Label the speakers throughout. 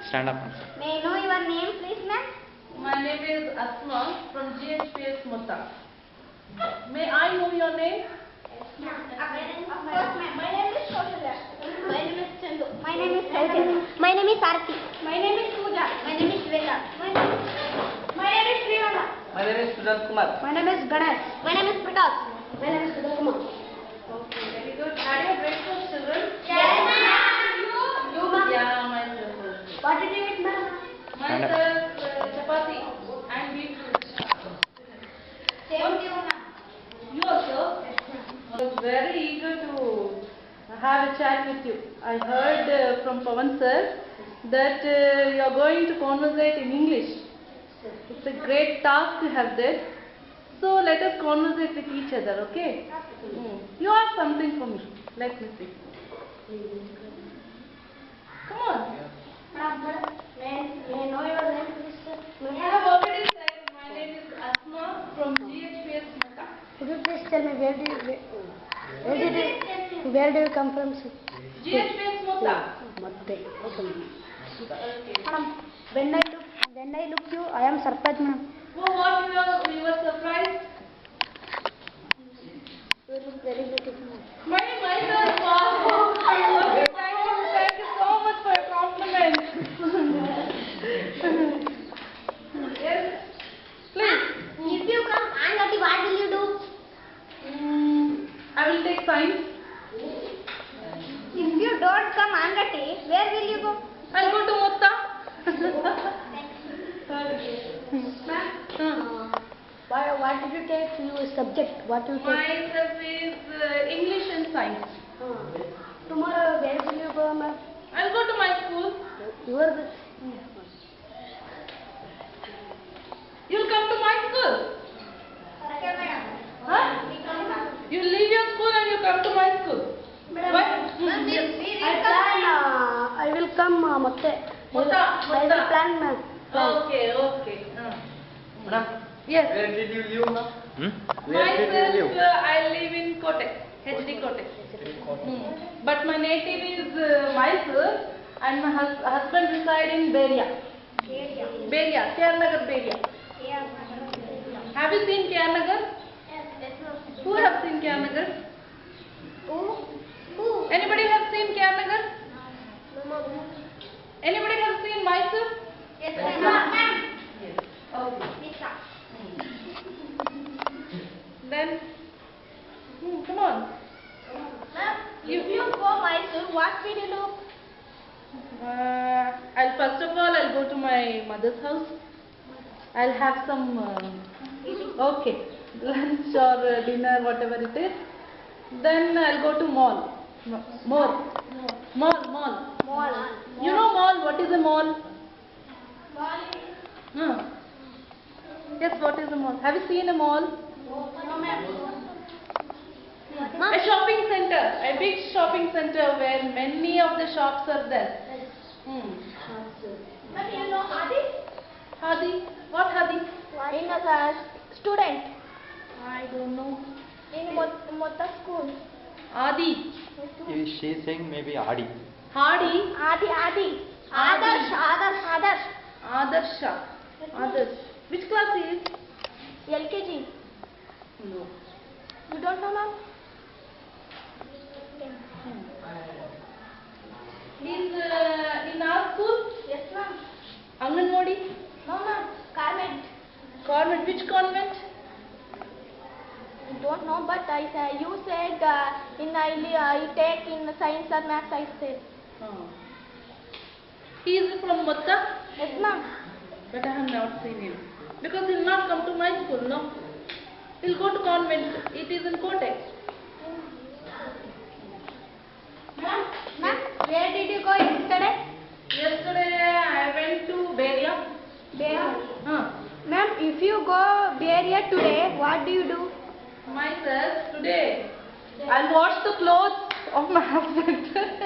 Speaker 1: Stand up.
Speaker 2: May I know your name, please, ma'am?
Speaker 3: My name is Asma from GHPS Mutta. May I know your name?
Speaker 2: Of course, ma'am. My name is Kausalya. My name is Chandu. My name is Chaitanya. My name is Arti. My name is Pooja. My name is Veda. My name is Srivana.
Speaker 1: My name is Sujant Kumar.
Speaker 2: My name is Ganesh. My name is Prakash. My name is Sudhir Kumar.
Speaker 3: Okay, very good. Had your breakfast, children?
Speaker 2: Yes, ma'am. You, ma'am.
Speaker 3: Yeah, myself also.
Speaker 2: What did you eat, ma'am?
Speaker 3: Myself, chapati and beetroot.
Speaker 2: Same to you, ma'am.
Speaker 3: You also? I was very eager to have a chat with you. I heard from Pawan sir that you are going to conversate in English. It's a great task you have there. So let us conversate with each other, okay? You have something for me. Let me see. Come on.
Speaker 2: May I know your name, please, sir?
Speaker 3: I have already said my name is Asma from GHPS Mutta.
Speaker 2: Could you please tell me where do you come from, sir?
Speaker 3: GHPS Mutta.
Speaker 2: Matte.
Speaker 3: Okay.
Speaker 2: Madam, when I look you, I am surprised, madam.
Speaker 3: Oh, what you were surprised?
Speaker 2: You look very beautiful.
Speaker 3: Myself. Wow. Thank you so much for your compliment. Yes. Please.
Speaker 2: If you come and what will you do?
Speaker 3: I will take science.
Speaker 2: If you don't come Angati, where will you go?
Speaker 3: I'll go to Mutta.
Speaker 2: What did you take your subject? What you take?
Speaker 3: Myself is English and science.
Speaker 2: Tomorrow, where will you go, ma'am?
Speaker 3: I'll go to my school.
Speaker 2: You are the...
Speaker 3: You'll come to my school. Huh? You leave your school and you come to my school. What?
Speaker 2: I will come, Matte. I will plan, ma'am.
Speaker 3: Okay.
Speaker 1: Madam,
Speaker 3: Yes.
Speaker 1: where did you live, ma'am? Where did
Speaker 3: Myself,
Speaker 1: you live?
Speaker 3: I live in Kotak, HD Kotak. But my native is Mysore and my husband reside in Beria. Beria, Keralagar Beria. Have you seen Keralagar? Who have seen Keralagar? Anybody have seen Keralagar? Anybody have seen Mysore?
Speaker 2: Yes, ma'am.
Speaker 3: Okay. Then, come on.
Speaker 2: If you go Mysore, what will you do?
Speaker 3: First of all, I'll go to my mother's house. I'll have some, lunch or dinner, whatever it is. Then I'll go to mall. Mall. You know mall? What is a mall? Yes, what is a mall? Have you seen a mall? A shopping center, a big shopping center where many of the shops are there.
Speaker 2: But you know Hadi?
Speaker 3: Hadi? What Hadi?
Speaker 2: In a student
Speaker 3: I don't know.
Speaker 2: in Mutta school.
Speaker 3: Adi.
Speaker 1: She is saying maybe Adi.
Speaker 3: Hardy.
Speaker 2: Adi. Adarsh.
Speaker 3: Adarsha. Adarsh. Which class he is?
Speaker 2: LKG.
Speaker 3: No.
Speaker 2: You don't know, ma'am?
Speaker 3: He's in our school?
Speaker 2: Yes, ma'am.
Speaker 3: Anganwadi?
Speaker 2: No, ma'am. Carmen.
Speaker 3: Convent. Which convent?
Speaker 2: You don't know, but you said I take in science or maths, I said.
Speaker 3: He is from Mutta?
Speaker 2: Yes, ma'am.
Speaker 3: But I have not seen him. Because he will not come to my school, no? He will go to convent. It is in Kotak.
Speaker 2: Ma'am, where did you go yesterday?
Speaker 3: Yesterday I went to Beria.
Speaker 2: Ma'am, if you go Beria today, what do you do?
Speaker 3: Myself today. I'll wash the clothes of my husband.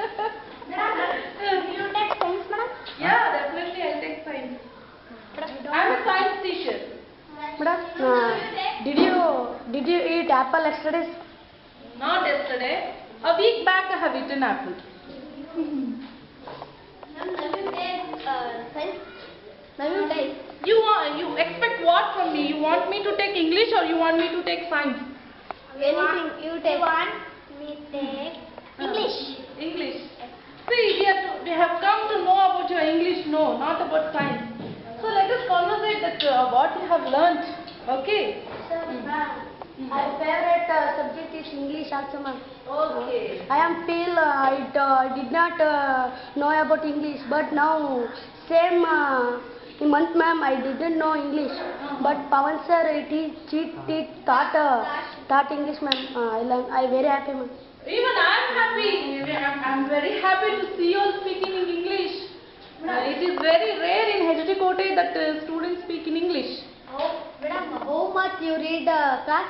Speaker 2: You take science, madam?
Speaker 3: Yeah, definitely I'll take science. I'm a science teacher.
Speaker 2: Madam, did you eat apple yesterday?
Speaker 3: Not yesterday. A week back I have eaten apple.
Speaker 2: Ma'am, have you take Then you tell.
Speaker 3: You expect what from me? You want me to take English or you want me to take science?
Speaker 2: Anything you take. Want me take English.
Speaker 3: English. See, we have come to know about your English, no, not about science. So let us conversate that what you have learnt. Okay.
Speaker 2: My favorite subject is English also, ma'am.
Speaker 3: Okay.
Speaker 2: I am feel I did not know about English, but now same in month, ma'am, I didn't know English. But Pawan sir, he taught English, ma'am. I very happy, ma'am.
Speaker 3: Even I am happy. I'm very happy to see you all speaking in English. It is very rare in HT Kote that students speak in English.
Speaker 2: Madam, how much you read class?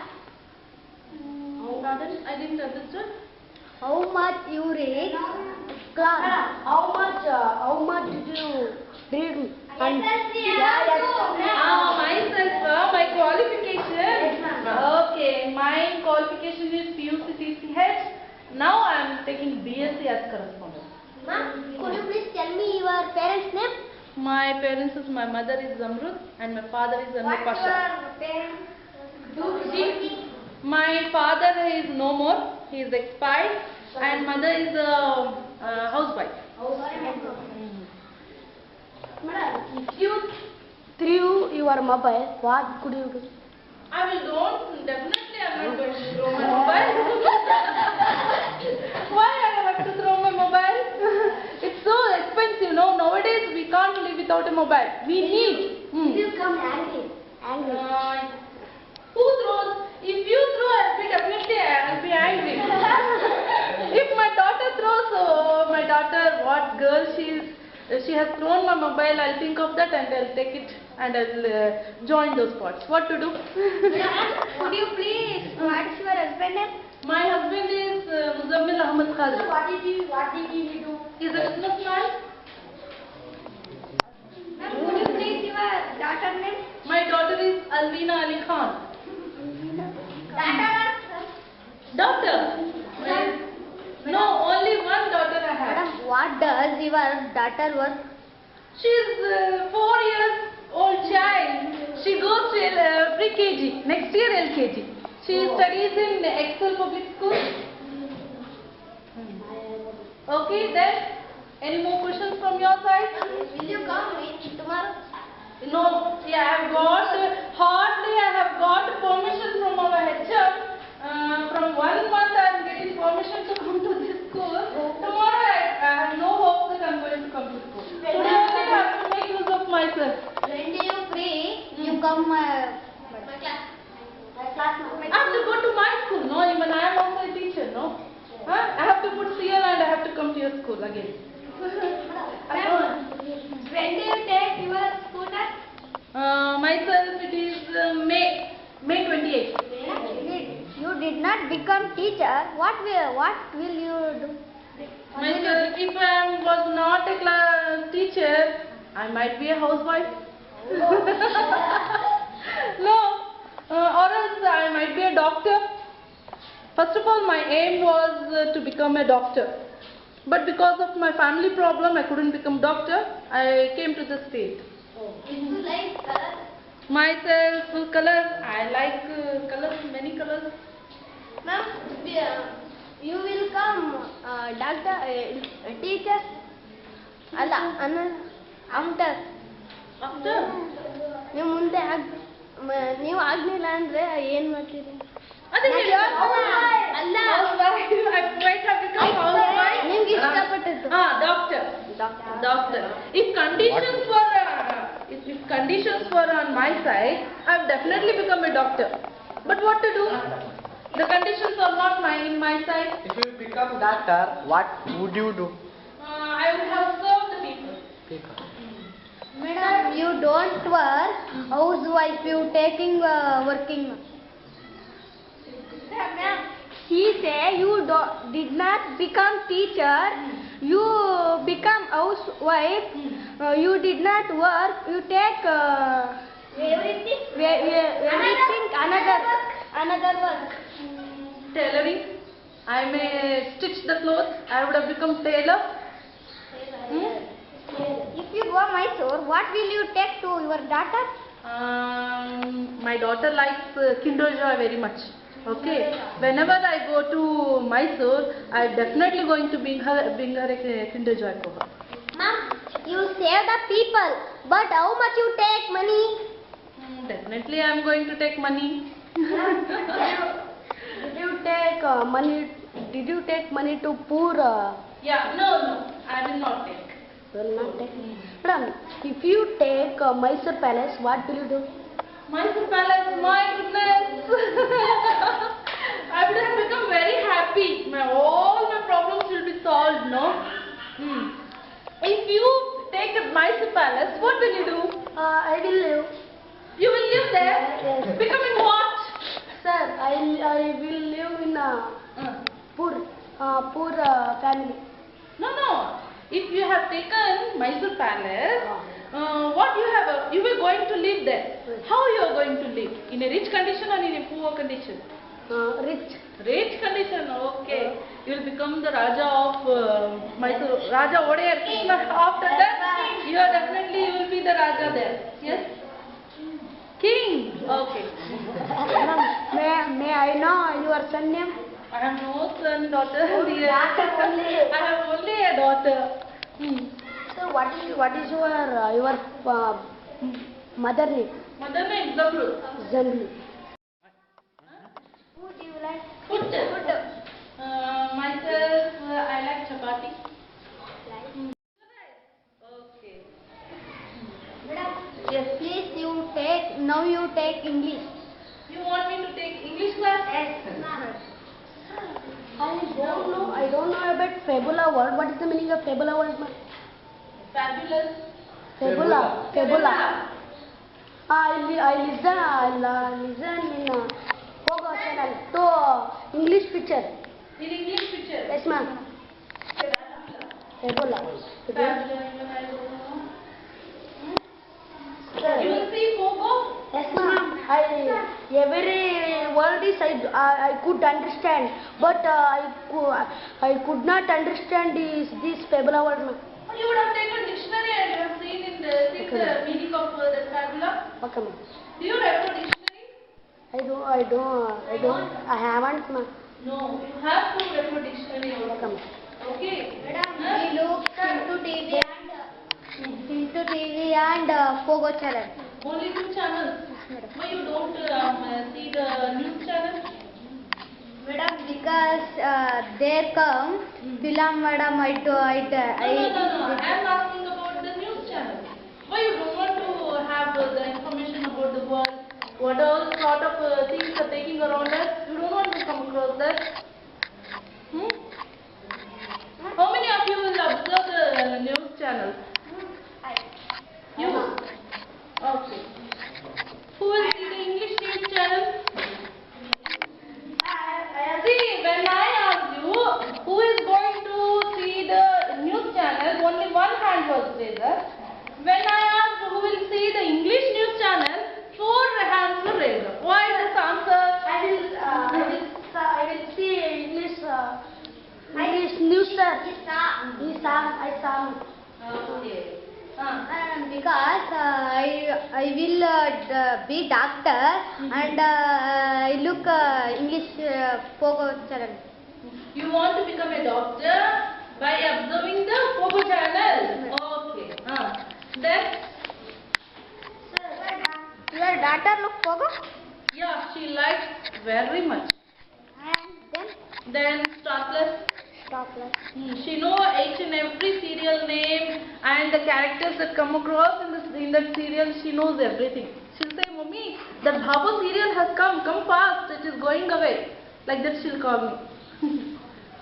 Speaker 3: I didn't understand.
Speaker 2: How much you read class? How much did you read?
Speaker 3: Myself, my qualification. Okay, my qualification is PUC TCH. Now I am taking BSc as correspondent.
Speaker 2: Ma'am, could you please tell me your parents' name?
Speaker 3: My parents is, my mother is Zamrud and my father is Anur Pasha. My father is no more, he is expired, and mother is a housewife.
Speaker 2: Madam, if you threw your mobile, what could you do?
Speaker 3: I will don't, definitely I am not going to throw my mobile. Why I have to throw my mobile? It's so expensive, no? Nowadays we can't live without a mobile. We need.
Speaker 2: If you come angry.
Speaker 3: Who throws? If you throw, I'll be angry. If my daughter throws, oh, my daughter, what girl she has thrown my mobile, I'll think of that and I'll take it and I'll join those spots. What to do?
Speaker 2: Could you please, what is your husband name?
Speaker 3: My husband is Muzammil Ahmad Khalid.
Speaker 2: What did he do?
Speaker 3: He's a businessman.
Speaker 2: Could you please your daughter name?
Speaker 3: My daughter is Alvina Ali Khan. Daughter? No, only one daughter I have.
Speaker 2: Madam, what does your daughter work?
Speaker 3: She's 4 years old child. She goes to pre-KG, next year LKG. She studies in Excel Public School. Okay, then any more questions from your side?
Speaker 2: Will you come tomorrow?
Speaker 3: No, yeah, I have got permission from our HR. From 1 month I am getting permission to come to this school. Tomorrow I have no hope that I am going to come to school. Today only I have to make use of myself.
Speaker 2: When do you free? You come my class.
Speaker 3: I have to go to my school, no? Even I am also a teacher, no? Huh? I have to put CL and I have to come to your school again.
Speaker 2: When do you take your school test?
Speaker 3: Myself it is May 28th.
Speaker 2: You did not become teacher. What will you do?
Speaker 3: Myself, if I was not a class teacher, I might be a housewife. No, or else I might be a doctor. First of all, my aim was to become a doctor. But because of my family problem, I couldn't become doctor. I came to the state.
Speaker 2: You like color?
Speaker 3: Myself, color. I like colors, many colors.
Speaker 2: Ma'am, you will come doctor, teacher. After.
Speaker 3: After?
Speaker 2: ನೀವು ಮುಂದೆ ನೀವು ಆಗ್ಲಿಲ್ಲ ಅಂದ್ರೆ ಏನ್ ಮಾಡ್ತೀರಿ? ಅಲ್ಲ ನಿಮ್ಗೆ ಇಷ್ಟಪಟ್ಟದ್ದು.
Speaker 3: Doctor. If conditions were on my side, I would definitely become a doctor. But what to do? The conditions are not in my side.
Speaker 1: If you become doctor, what would you do?
Speaker 3: I would have served the people.
Speaker 2: Madam, you don't work. Housewife, you taking working. She say you did not become teacher. You become housewife. You did not work. You take everything another work.
Speaker 3: Tailoring. I may stitch the clothes. I would have become tailor.
Speaker 2: If you go Mysore, what will you take to your daughter?
Speaker 3: My daughter likes Kinder Joy very much. Okay. Whenever I go to Mysore, I definitely going to bring her a Kinder Joy for her.
Speaker 2: Mom, you save the people, but how much you take money?
Speaker 3: Definitely, I am going to take money.
Speaker 1: Did you take money? Did you take money to poor?
Speaker 3: Yeah. No, I will not take.
Speaker 1: Will not take. Madam, if you take Mysore Palace, what will you do?
Speaker 3: Mysore Palace, my goodness! I would have become very happy. All my problems will be solved, no? If you take the Mysore Palace, what will you do?
Speaker 1: I will live.
Speaker 3: You will live there?
Speaker 1: Yes.
Speaker 3: Becoming what?
Speaker 1: Sir, I will live in a poor family.
Speaker 3: No. If you have taken Mysore Palace, what you were going to live there? How you are going to live? In a rich condition or in a poor condition?
Speaker 1: Rich.
Speaker 3: Rich condition, okay. You will become the Raja of Mysore, Raja Odear. After that, you will be the Raja there. Yes? King. Okay.
Speaker 1: Madam, may I know your son name?
Speaker 3: I have no son, daughter.
Speaker 1: Daughter only.
Speaker 3: I have only a daughter.
Speaker 1: So what is your mother name?
Speaker 3: Mother name Zabru.
Speaker 1: Zanli.
Speaker 2: Who do you like?
Speaker 3: Food. Myself, I like chapati. Okay.
Speaker 2: Yes, please you take English.
Speaker 3: You want me to take English class?
Speaker 2: Yes.
Speaker 1: I don't know about fabula word. What is the meaning of fabula word?
Speaker 3: Fabulous.
Speaker 1: Fabula. I listen in Pogo channel to English picture.
Speaker 3: In English picture?
Speaker 1: Yes, ma'am. Fabula.
Speaker 3: You will see Pogo?
Speaker 1: Yes, ma'am. Every word is I could understand, but I could not understand this fabula word, ma'am.
Speaker 3: You would have taken dictionary and you have seen the meaning of the fabula.
Speaker 1: Okay, ma'am.
Speaker 3: Do you refer dictionary?
Speaker 1: I haven't, ma'am.
Speaker 3: No, you have to refer dictionary
Speaker 1: Okay,
Speaker 3: also.
Speaker 1: ma'am.
Speaker 3: Okay.
Speaker 2: We look into TV and Pogo channel.
Speaker 3: Only 2 channels. Why you don't see the news channel?
Speaker 2: Madam, because there come Bilam madam,
Speaker 3: No. I am asking about the news channel. Why you don't want to have the information about the world? What all sort of things are taking around us? You don't want to come across that? How many of you will observe the news channel? You? Okay. Who will see the English news channel? See, when I asked you who is going to see the news channel, only one hand was raised. When I asked who will see the English news channel, 4 hands were raised. Why this answer?
Speaker 1: I will see English news, sir. I saw.
Speaker 3: Okay.
Speaker 2: Because I will be doctor and I look English Pogo channel.
Speaker 3: You want to become a doctor by observing the Pogo channel? Okay. Then?
Speaker 2: Your daughter look Pogo?
Speaker 3: Yeah, she likes very much.
Speaker 2: And
Speaker 3: Then Star Plus. She know each and every serial name and the characters that come across in that serial. She knows everything. She'll say, "Mommy, that Bhabha serial has come. Come fast. It is going away." Like that she'll call me.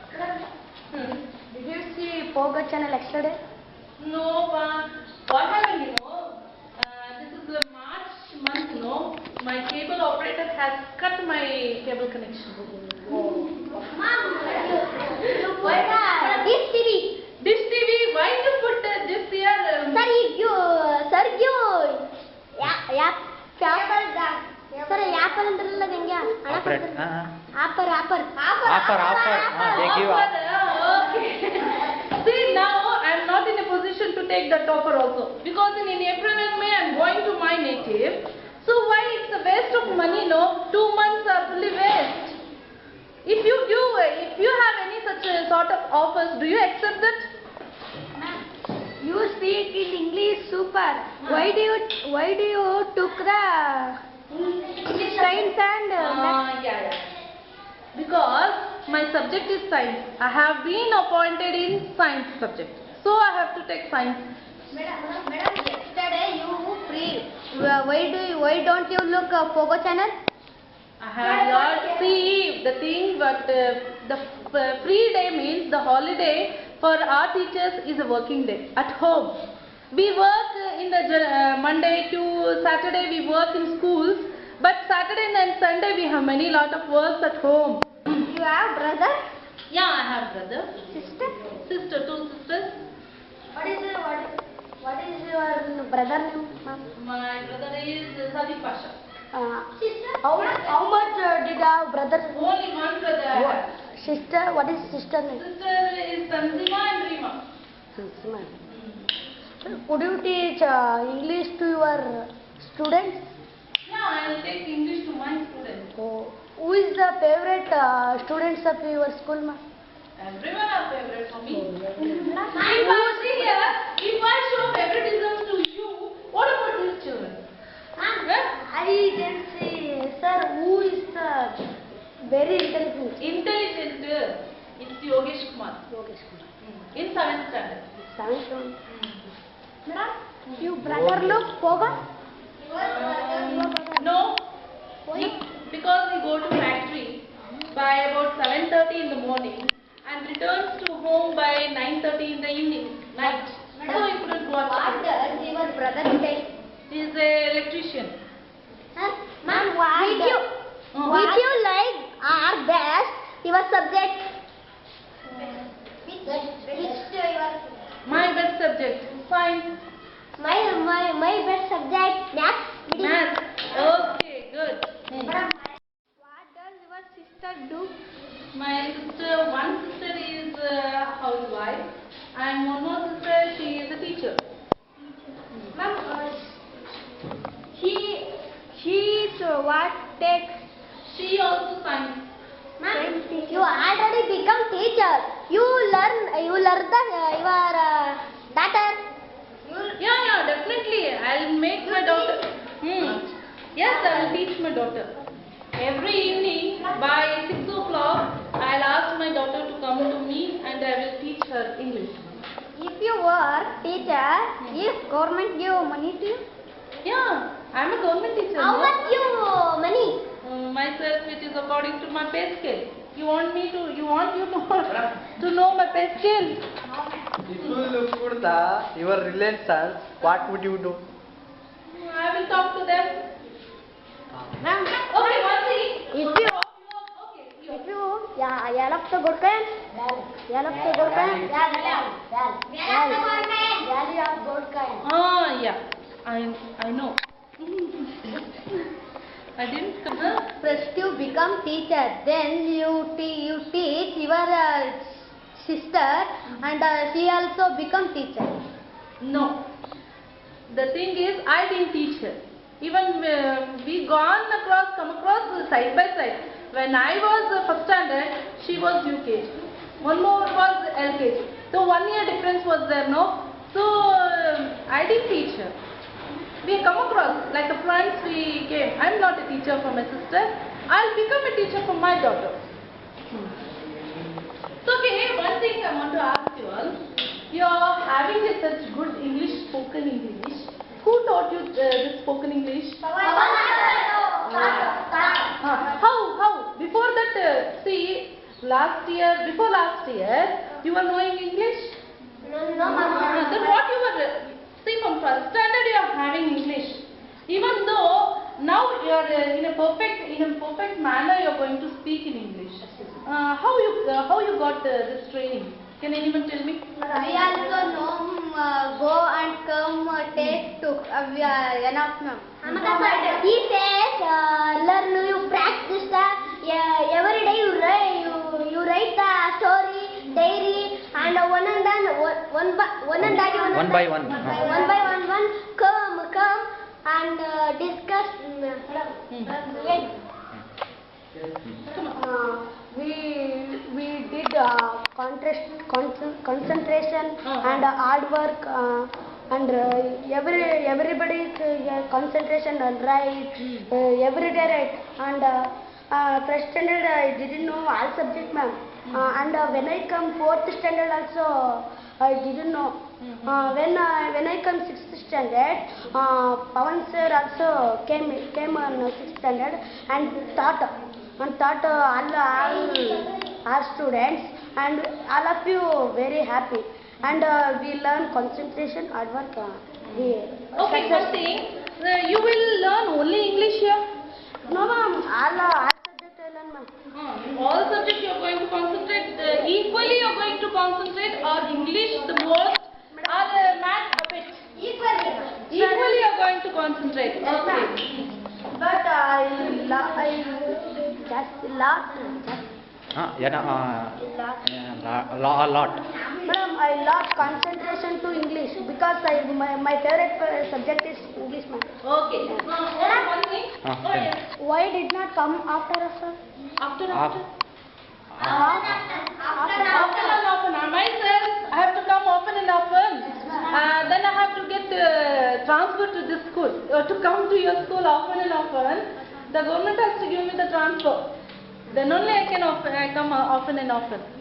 Speaker 1: Did you see Pogo channel yesterday?
Speaker 3: No, what happened? This is the March month. No, my cable operator has cut my cable connection.
Speaker 2: Dish TV.
Speaker 3: Dish TV. Why you put this here?
Speaker 2: Sir, Apple ಅಂದ್ರಲ್ಲ ಗಂಗ್ಯಾ ಹಣ ಕೊಡ್ತಾರೆ. Apple.
Speaker 3: Offer. They give offer. Okay. See, now I am not in a position to take that offer also. Because in April and May I am going to my native. So why it's a waste of money, no? 2 months are fully waste. If you have any such sort of offers, do you accept that?
Speaker 1: You speak in English super. Why do you took the science and
Speaker 3: Yeah. Because my subject is science. I have been appointed in science subject. So I have to take science.
Speaker 2: Madam, yesterday you free. Why don't you look Pogo channel?
Speaker 3: I have not see the thing, but the free day means the holiday for our teachers is a working day at home. We work in the Monday to Saturday we work in schools, but Saturday and Sunday we have many lot of works at home.
Speaker 2: You have brother,
Speaker 3: Yeah, I have brother,
Speaker 2: sister.
Speaker 3: sister, 2 sisters.
Speaker 1: what is your brother name, ma'am?
Speaker 3: My brother is Sadiq Pasha.
Speaker 2: Sister.
Speaker 1: How much did our brother?
Speaker 3: Only one brother I have.
Speaker 1: Sister, what is sister name?
Speaker 3: Sister is Tanzima and Rima.
Speaker 1: Could you teach English to your students?
Speaker 3: Yeah, I will take English to my students.
Speaker 1: Oh, who is the favorite students of your school, ma'am?
Speaker 3: Everyone are favorite for me. If I show favoritism to you, what about these children?
Speaker 1: I can say, sir, who is the very intelligent?
Speaker 3: Intelligent, it's Yogesh Kumar.
Speaker 1: Yogesh Kumar.
Speaker 3: In 7th standard.
Speaker 1: Science one. Madam, you brother look Poga?
Speaker 3: No, because he go to factory by about 7:30 in the morning and returns to home by 9:30 in the evening, night. So he couldn't go
Speaker 2: What
Speaker 3: out.
Speaker 2: does your brother take?
Speaker 3: He is an electrician.
Speaker 2: Ma'am, which you like or best your subject? Which your
Speaker 3: My best subject, science,
Speaker 2: my best subject maths.
Speaker 3: math. Okay, good.
Speaker 2: Madam, what does your sister do?
Speaker 3: My sister, one sister is a housewife and one more sister, she is a teacher.
Speaker 2: Ma'am, she is what takes?
Speaker 3: She also science.
Speaker 2: Ma'am, you already become teacher. You learn the your daughter.
Speaker 3: Yeah, definitely. I'll make my daughter. Yes, I will teach my daughter. Every evening by 6 o'clock, I'll ask my daughter to come to me and I will teach her English.
Speaker 2: If you were teacher, if government give money to you,
Speaker 3: Yeah, I'm a government teacher.
Speaker 2: how
Speaker 3: no?
Speaker 2: much you money?
Speaker 3: Myself, it is according to my pay scale. You want you to know my pay scale?
Speaker 4: If you look for your relations, what would you do?
Speaker 3: I will talk to them.
Speaker 2: Ma'am,
Speaker 3: Okay, one thing.
Speaker 2: if you yellow to good kind, yellow to good kind, value of good kind.
Speaker 3: Yeah, I know. I didn't come.
Speaker 2: First you become teacher, then you teach your sister, and she also become teacher.
Speaker 3: No. The thing is, I didn't teach her. Even we come across side by side. When I was first standard, she was UKG. One more was LKG. So 1 year difference was there, no? So I didn't teach her. We come across like a friends we came. I'm not a teacher for my sister. I'll become a teacher for my daughter. So okay, one thing I want to ask you all. You're having such good English, spoken English. Who taught you this spoken English? How? Before that, see, before last year, you were knowing English? Then what you were, see, from first standard you are having English. Even though now you are in a perfect manner you are going to speak in English. How you got this training? Can anyone tell me?
Speaker 2: We also know go and come take to enough now. He says learn you practice every day you write the story diary and one one and daddy
Speaker 5: One by one.
Speaker 2: One by one. Come and discuss.
Speaker 1: We did concentration and hard work and everybody's concentration and right every day right and first standard I didn't know all subject ma'am and when I come fourth standard also I didn't know when I come sixth standard Pawan sir also came on sixth standard and taught all students and all of you very happy and we learn concentration hard work
Speaker 3: Okay, one thing. You will learn only English here.
Speaker 1: no ma'am all subject I learn ma'am
Speaker 3: All subjects you are going to concentrate equally. You are going to concentrate or English the most or math a bit.
Speaker 2: Equally.
Speaker 3: Equally you are going to concentrate. Okay.
Speaker 1: but I just lot
Speaker 5: A lot.
Speaker 1: madam I lost concentration to English because my favorite subject is English ma'am.
Speaker 3: Okay. One thing.
Speaker 1: Why did not come after us sir?
Speaker 3: After.
Speaker 5: Af-
Speaker 3: Often and often. Myself, I have to come often and often. Then I have to get transferred to this school. To come to your school often and often, the government has to give me the transfer. Then only I can come often and often.